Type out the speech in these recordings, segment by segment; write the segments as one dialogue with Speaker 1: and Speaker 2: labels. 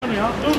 Speaker 1: şunu ya. Dur.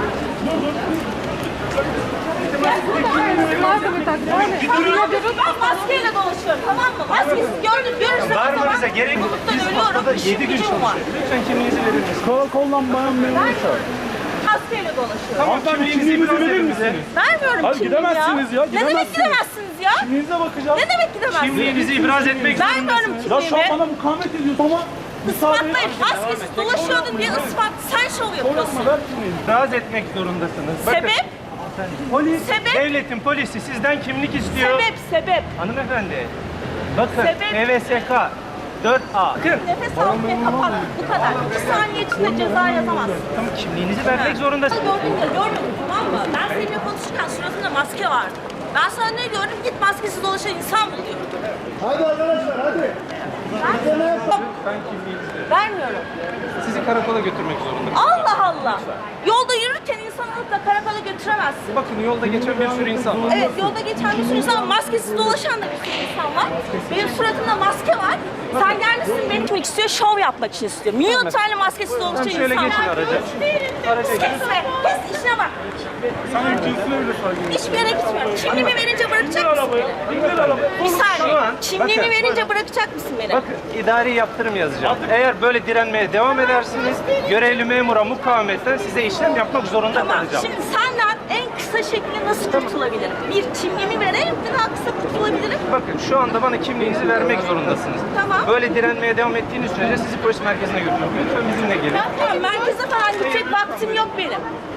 Speaker 2: Ben maskeyle dolaşıyorum, tamam mı? Maskesiz görürsem
Speaker 3: Varmanıza gerek yok. Biz haftada 7 gün çalışıyoruz. Lütfen kimliğinizi verir misiniz?
Speaker 1: Karakoldan bayan memuru çağır.
Speaker 2: maskeyle dolaşıyorum.
Speaker 3: Tamam,
Speaker 1: Kimliğinizi verir misiniz?
Speaker 2: Vermiyorum
Speaker 1: Hayır,
Speaker 2: kimliğimi
Speaker 1: gidemezsiniz ya,
Speaker 2: Ne demek
Speaker 1: gidemezsiniz.
Speaker 2: gidemezsiniz ya?
Speaker 1: Kimliğinize bakacağım.
Speaker 2: Ne demek gidemezsiniz?
Speaker 3: Kimliğinizi ibraz etmek
Speaker 2: Vermiyorum
Speaker 3: zorundasınız.
Speaker 1: Ya şu an
Speaker 2: kimliğimi.
Speaker 1: bana mukavemet ediyorsun ama
Speaker 2: Ispatlayın. Maskesiz dolaşıyordun diye ispat. Sen şov yapıyorsun.
Speaker 1: ver kimliğini.
Speaker 3: İbraz etmek zorundasınız. Bakın,
Speaker 2: Sebep?
Speaker 3: Polis,
Speaker 2: Sebep?
Speaker 3: devletin polisi sizden kimlik istiyor.
Speaker 2: Sebep.
Speaker 3: Hanımefendi, bakın
Speaker 2: Sebep?
Speaker 3: MVSK 4A. Bakın,
Speaker 2: Nefes almaya kapat. Bu kadar. 2 saniye içinde ceza yazamazsın.
Speaker 3: tamam, kimliğinizi vermek zorundasınız.
Speaker 2: Gördün ya, görmedin, tamam mı? Ben seninle konuşurken suratında maske vardı. Ben sana ne diyorum? Git maskesiz dolaşan insan bul diyorum.
Speaker 4: Hadi arkadaşlar hadi.
Speaker 3: Ben kimliğinizi
Speaker 2: Vermiyorum.
Speaker 3: sizi karakola götürmek zorundayım.
Speaker 2: Allah Allah. Yolda yürürken insan alıp da karakola götüremezsin.
Speaker 3: Bakın yolda geçen bir sürü insan var.
Speaker 2: Evet, yolda geçen bir sürü insan var. Maskesiz dolaşan da bir sürü insan var. Benim suratımda maske var. Sen gelmişsin beni tutmak istiyor, şov yapmak için istiyor. Milyon tane maskesiz dolaşan
Speaker 3: Tamam,
Speaker 2: insan
Speaker 3: şöyle
Speaker 2: var.
Speaker 3: geçin araca. Araca geçin.
Speaker 2: Kesme, kes işine bak.
Speaker 1: Sana cinsine bile saygı.
Speaker 2: Hiçbir yere gitmiyorum. Kimliğimi verince bırakacak mısın beni?
Speaker 1: İndir arabayı.
Speaker 2: Bir
Speaker 3: Şu
Speaker 2: saniye.
Speaker 3: an,
Speaker 2: Kimliğimi
Speaker 3: bakın.
Speaker 2: verince bırakacak mısın beni?
Speaker 3: Bakın, idari yaptırım yazacağım. Eğer böyle direnmeye devam edersiniz, görevli memura mukavemetten size işlem yapmak zorunda
Speaker 2: Tamam.
Speaker 3: kalacağım.
Speaker 2: Şimdi senden en kısa şekilde nasıl kurtulabilirim? Bir, kimliğimi vererek bir daha kısa kurtulabilirim.
Speaker 3: Bakın, şu anda bana kimliğinizi vermek zorundasınız.
Speaker 2: Tamam.
Speaker 3: Böyle direnmeye devam ettiğiniz sürece sizi polis merkezine götürüyorum. Lütfen bizimle gelin.
Speaker 2: Tamam, merkeze falan gidecek vaktim yok benim.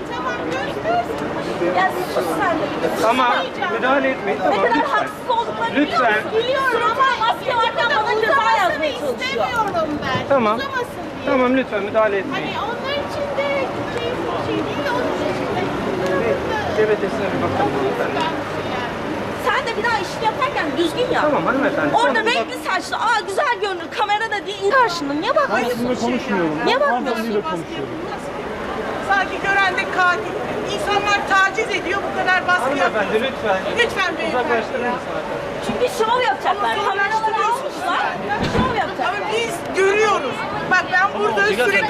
Speaker 2: Ya sus sen de.
Speaker 3: Ama müdahale etmeyin,
Speaker 2: Ne
Speaker 3: tamam,
Speaker 2: kadar
Speaker 3: lütfen.
Speaker 2: haksız olduklarını biliyor
Speaker 3: Lütfen.
Speaker 2: musun? Biliyorum ama maske varken bana ceza yazmaya çalışıyor.
Speaker 5: İstemiyorum ben.
Speaker 3: Tamam.
Speaker 5: Uzamasın diye.
Speaker 3: Tamam, lütfen müdahale etmeyin.
Speaker 5: Hani onlar için de şey değil de onun için de.
Speaker 3: GBT'sine bir bakalım hanımefendi.
Speaker 2: Sen de bir daha işini yaparken düzgün yap.
Speaker 3: Tamam hanımefendi.
Speaker 2: Orada
Speaker 3: tamam.
Speaker 2: renkli saçlı, güzel görünür kamerada değil karşında. Niye
Speaker 1: Ben
Speaker 2: bakmıyorsun?
Speaker 1: sizinle konuşmuyorum.
Speaker 2: Niye bakmıyorsun?
Speaker 1: Hanımefendiyle konuşuyorum.
Speaker 6: Sanki gören de katil. İnsanlar taciz ediyor, bu kadar baskı yapıyor.
Speaker 3: Hanımefendi lütfen.
Speaker 6: Lütfen beyefendi.
Speaker 3: Uzaklaştırır mısınız?
Speaker 2: Çünkü şov yapacaklar. Kameraları almışlar. Şov yapacaklar.
Speaker 6: Ama biz görüyoruz. Bak ben burada sürekli...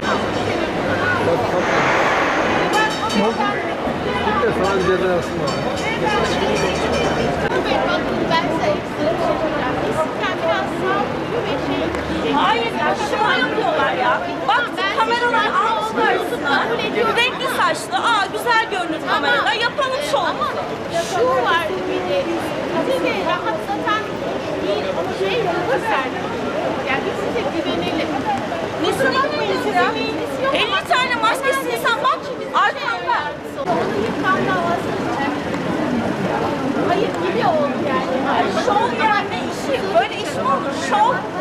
Speaker 5: Bakın ben sayısını soracağım. İstikrar biraz sağlıklı ve şey.
Speaker 2: Hayır ya şov yapıyorlar ya. Bak kameralar almışlar üstüne. Renkli saçlı, güzel görünür kamerada. Yapalım şovumuzu.
Speaker 5: Şu var bir de bizi de rahatsatan bir şey gösterdi. Yani biz size güvenelim.
Speaker 2: Nesine bakmayız ya? 50 tane maskesiz insan bak. Arkanda.
Speaker 5: Onu yıkan davası için. Hayır gibi oldu yani.
Speaker 2: Şov yani işi. Böyle iş mi olur? Şov.